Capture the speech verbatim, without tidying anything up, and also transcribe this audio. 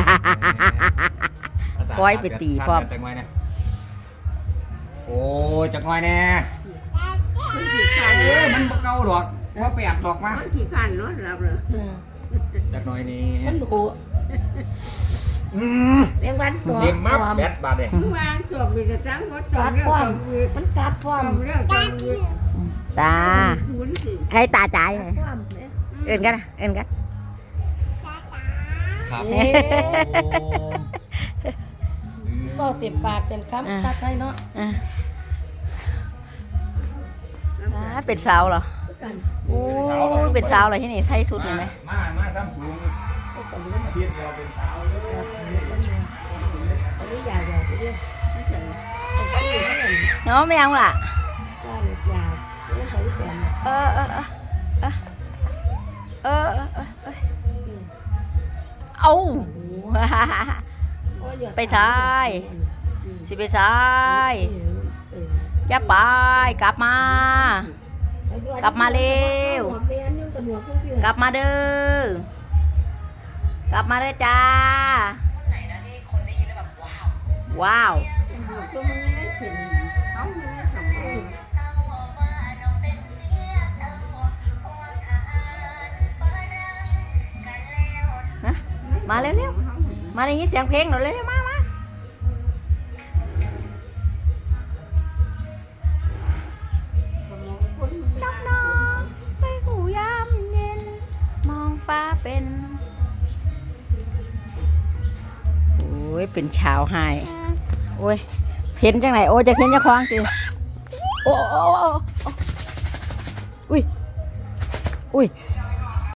คอยไปตีพร้อมโอ้จักหน่อยแน่เออมันบ่เก่าดอกว่าแปดดอกมาขี้ขันเนาะเราเลยจักหน่อยนี่มันดูเรียกวันตัวเต็มมับแบดบาดเลยวางตัวมีแต่สังหมดตัวเนี่ยมันกัดพร้อมเรื่องตาให้ตาจ่ายเอินกันเอินกันครับก็เต็มปากเต็มคำชัดไว้เนาะเป็นสาวเหรอโอ้ยเป็นสาวเหรอที่นี่ใส่สุดเลยไหมมามาทำถุงเพียงเราเป็นสาวเนาะไม่เอาล่ะเออเออเออเออเออเออเอาไปซ้ายสิไปซ้ายจะไปกลับมากลับมาเร็วกลับมาเด้อกลับมาเด้อจ้าว้าวมาเร็วๆมาได้ยินเสียงเพลงหน่อยเร็วๆมามาน้องๆไปหูยามเย็นมองฟ้าเป็นโอ้ยเป็นชาวไฮโอ้ยเห็นจังไหนโอ้จะเห็นจะคว้างสิโอ้โอ้โอ้อุ้ยอุ้ย